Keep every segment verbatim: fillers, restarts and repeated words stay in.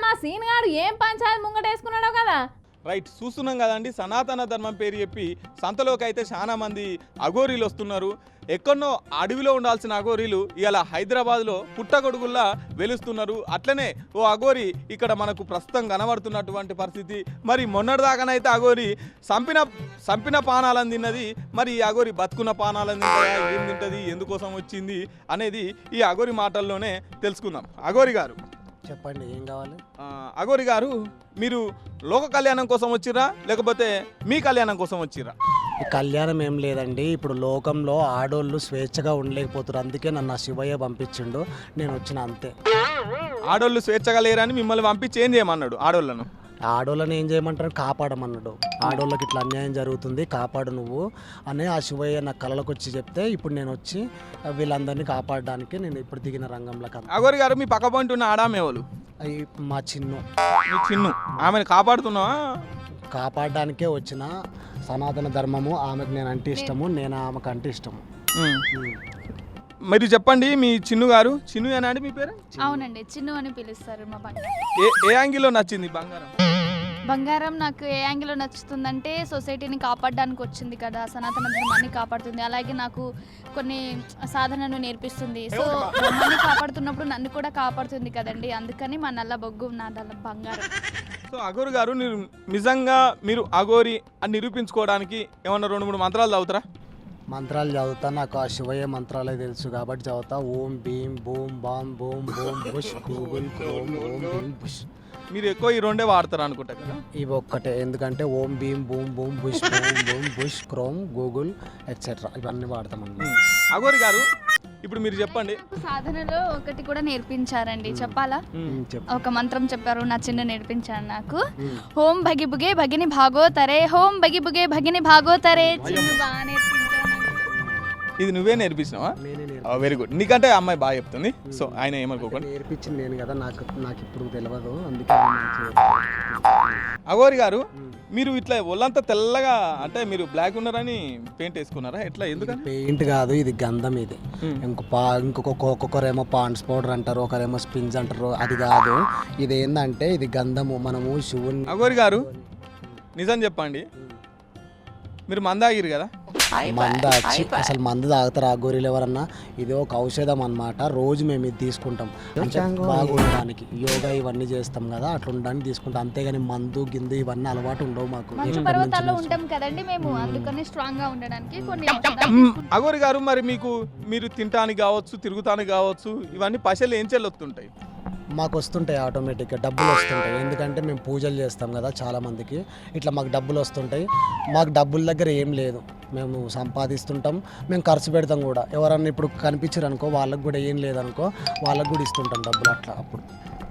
మా సీన్ గాడు ఏం పంచాయతీ ముంగటేసుకున్నాడో కదా. రైట్, చూస్తున్నాం కదండి. సనాతన ధర్మం పేరు చెప్పి సంతలోకి అయితే చాలా మంది అఘోరీలు వస్తున్నారు. ఎక్కడో అడవిలో ఉండాల్సిన అఘోరీలు ఇలా హైదరాబాద్లో పుట్టగొడుగుల్లా వెలుస్తున్నారు. అట్లనే ఓ అఘోరి ఇక్కడ మనకు ప్రస్తుతం కనబడుతున్నటువంటి పరిస్థితి. మరి మొన్నటిదాకానైతే అఘోరి సంపిన సంపిన పానాలను తిన్నది. మరి ఈ అఘోరి బతుకున్న పానాలను తింటుందా, ఏం తింటుంది, ఎందుకోసం వచ్చింది అనేది ఈ అఘోరి మాటల్లోనే తెలుసుకుందాం. అఘోరి గారు చెప్పండి, ఏం కావాలి? అఘోరి గారు, మీరు లోక కళ్యాణం కోసం వచ్చిర్రా లేకపోతే మీ కళ్యాణం కోసం వచ్చిర్రా? ఈ కళ్యాణం ఏం లేదండి. ఇప్పుడు లోకంలో ఆడోళ్ళు స్వేచ్ఛగా ఉండలేకపోతారు, అందుకే నన్ను ఆ శివయ్య పంపించిండు, నేను వచ్చిన అంతే. ఆడోళ్ళు స్వేచ్ఛగా లేరని మిమ్మల్ని పంపించి ఏం చేయమన్నాడు ఆడోళ్ళను? ఆడోళ్ళని ఏం చేయమంటారు, కాపాడమన్నాడు. ఆడోళ్ళకి ఇట్లా అన్యాయం జరుగుతుంది, కాపాడు నువ్వు అని ఆ శివయ్య నా కళ్ళకు వచ్చి చెప్తే ఇప్పుడు నేను వచ్చి వీళ్ళందరినీ కాపాడడానికి నేను ఇప్పుడు దిగిన రంగంలోకి. అఘోరి గారు, మీ పక్క పాయింట్ ఉన్న ఆడామేవాళ్ళు? అవి మా చిన్ను. మీ చిన్ను, ఆమెను కాపాడుతున్నావా? కాపాడడానికే వచ్చిన. సనాతన ధర్మము ఆమెకు నేను అంటే ఇష్టము, నేను ఆమెకు అంటే ఇష్టము. మీరు చెప్పండి, మీ చిన్ను గారు. చిన్ను ఏనా అండి మీ పేరు? అవునండి, చిన్ను అని పిలుస్తారు మా బంగారం. ఏ ఏ యాంగిల్లో నచ్చింది బంగారం? బంగారం నాకు ఏ యాంగిల్లో నచ్చుతుందంటే సొసైటీని కాపాడడానికి వచ్చింది కదా, సనాతన ధర్మాన్ని కాపాడుతుంది, అలాగే నాకు కొన్ని సాధనను నేర్పిస్తుంది. సో ధర్మాన్ని కాపాడుతున్నప్పుడు నన్ను కూడా కాపాడుతుంది కదండి, అందుకని మా నల్ల బొగ్గు నా నల్ల బంగారం. సో అఘోరి గారు, మీరు నిజంగా మీరు అఘోరి అని నిరూపించుకోవడానికి ఏమన్నా రెండు మూడు మంత్రాలు చదువుతారా? మంత్రాలు చదువుతా, నాకు ఆ శివయ్య మంత్రాలే తెలుసు కాబట్టి చదువుతా. Om Bheem boom bam boom boom bush Google Chrome Om Bheem bush. మీరు ఎక్కువ ఈ రెండే వాడతారు అనుకుంటా కదా? ఇవి ఒక్కటే, ఎందుకంటే Om Bheem boom boom bush boom boom bush Chrome Google etcetera ఇవన్నీ వాడతామండి. అఘోరి గారు, ఇప్పుడు మీరు చెప్పండి. సాధనలో ఒకటి కూడా నేర్పించారండి, చెప్పాలా? ఒక మంత్రం చెప్పారు, నా చిన్న నేర్పించారు నాకు. హోం భగి బుగే భగిని భాగోతరే, హోం భగి బుగే భగిని భాగోతరే. చిన్న బాగా నేర్పించారు. ఇది నువ్వే నేర్పించినావా? Very good. నీకంటే అమ్మాయి బాగా చెప్తుంది, సో ఆయన ఏమనుకోకండి. నేర్పించింది నేను కదా, నాకు నాకు ఇప్పుడు తెలియదు, అందుకే. అఘోరి గారు, మీరు ఇట్లా ఒళ్ళంతా తెల్లగా, అంటే మీరు బ్లాక్ ఉన్నారని పెయింట్ వేసుకున్నారా ఎట్లా? ఎందుకని? పెయింట్ కాదు, ఇది గంధం. ఇది ఇంకో పా ఇంకొక ఒక్కొక్కరేమో పాండ్స్ పౌడర్ అంటారు, ఒకరేమో స్పిన్స్ అంటారు, అది కాదు. ఇది ఏంటంటే ఇది గంధము. మనము శివుని. అఘోరి గారు, నిజం చెప్పండి, మీరు మందాగిరు కదా? మంద వచ్చి అసలు మందు తాగుతారు ఆ గొర్రెలు ఎవరన్నా? ఇది ఒక ఔషధం అన్నమాట. రోజు మేము ఇది తీసుకుంటాం, అంటే బాగుండడానికి. యోగా ఇవన్నీ చేస్తాం కదా, అట్లా ఉండడానికి తీసుకుంటాం, అంతేగాని మందు గిందు ఇవన్నీ అలవాటు ఉండవు మాకు. మంచు పర్వతాల్లో ఉంటాం కదండి మేము, అందుకని స్ట్రాంగ్ గా ఉండడానికి కొన్ని. అఘోరి గారు, మరి మీకు మీరు తినటానికి కావచ్చు, తిరుగుతానికి కావచ్చు, ఇవన్నీ పైసలు ఏం చెల్లొస్తుంటాయి? మాకు వస్తుంటాయి ఆటోమేటిక్గా, డబ్బులు వస్తుంటాయి. ఎందుకంటే మేము పూజలు చేస్తాం కదా చాలా మందికి, ఇట్లా మాకు డబ్బులు వస్తుంటాయి. మాకు డబ్బుల దగ్గర ఏం లేదు, మేము సంపాదిస్తుంటాం, మేము ఖర్చు పెడతాం కూడా. ఎవరన్నా ఇప్పుడు కనిపించారు అనుకో, వాళ్ళకు కూడా ఏం లేదనుకో, వాళ్ళకు కూడా ఇస్తుంటాం డబ్బులు అట్లా. అప్పుడు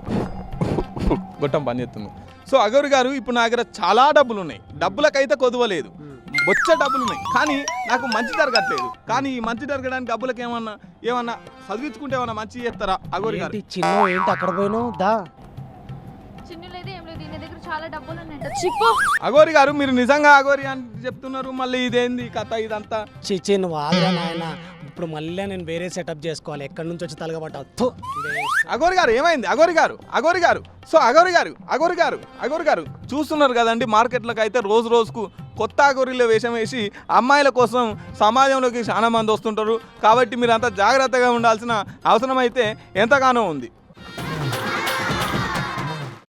గొట్టం పని చేస్తుంది. సో అఘోరి గారు, ఇప్పుడు నా దగ్గర చాలా డబ్బులు ఉన్నాయి, డబ్బులకైతే కొదవలేదు, బొచ్చ డబ్బులు ఉన్నాయి, కానీ నాకు మంచి జరగట్లేదు. కానీ ఈ మంచి జరగడానికి డబ్బులకు ఏమన్నా ఏమన్నా చదివించుకుంటే ఏమన్నా మంచి చేస్తారా అఘోరి గారు? చిన్న ఏంటి అక్కడ పోయినావు దా? చిన్ను లేదు ఏం లేదు, దీని దగ్గర చాలా డబ్బులు ఉన్నాయంట. చిప్పు. అఘోరి గారు, మీరు నిజంగా అఘోరి అని చెప్తున్నారు, మళ్ళీ ఇదేంది కథ ఇదంతా? చిచ్చి నువ్వు ఆగ్రా నాయన, ఇప్పుడు మళ్ళీ నేను వేరే సెటప్ చేసుకోవాలి, ఎక్కడి నుంచి వచ్చి తలగబట్టావు. అఘోరి గారు, ఏమైంది అఘోరి గారు? అఘోరి గారు, సో అఘోరి గారు అఘోరి గారు అఘోరి గారు చూస్తున్నారు కదండి, మార్కెట్లోకి అయితే రోజు రోజుకు కొత్త అఘోరీలో వేషం వేసి అమ్మాయిల కోసం సమాజంలోకి చాలా మంది వస్తుంటారు. కాబట్టి మీరు అంతా జాగ్రత్తగా ఉండాల్సిన అవసరం అయితే ఎంతగానో ఉంది.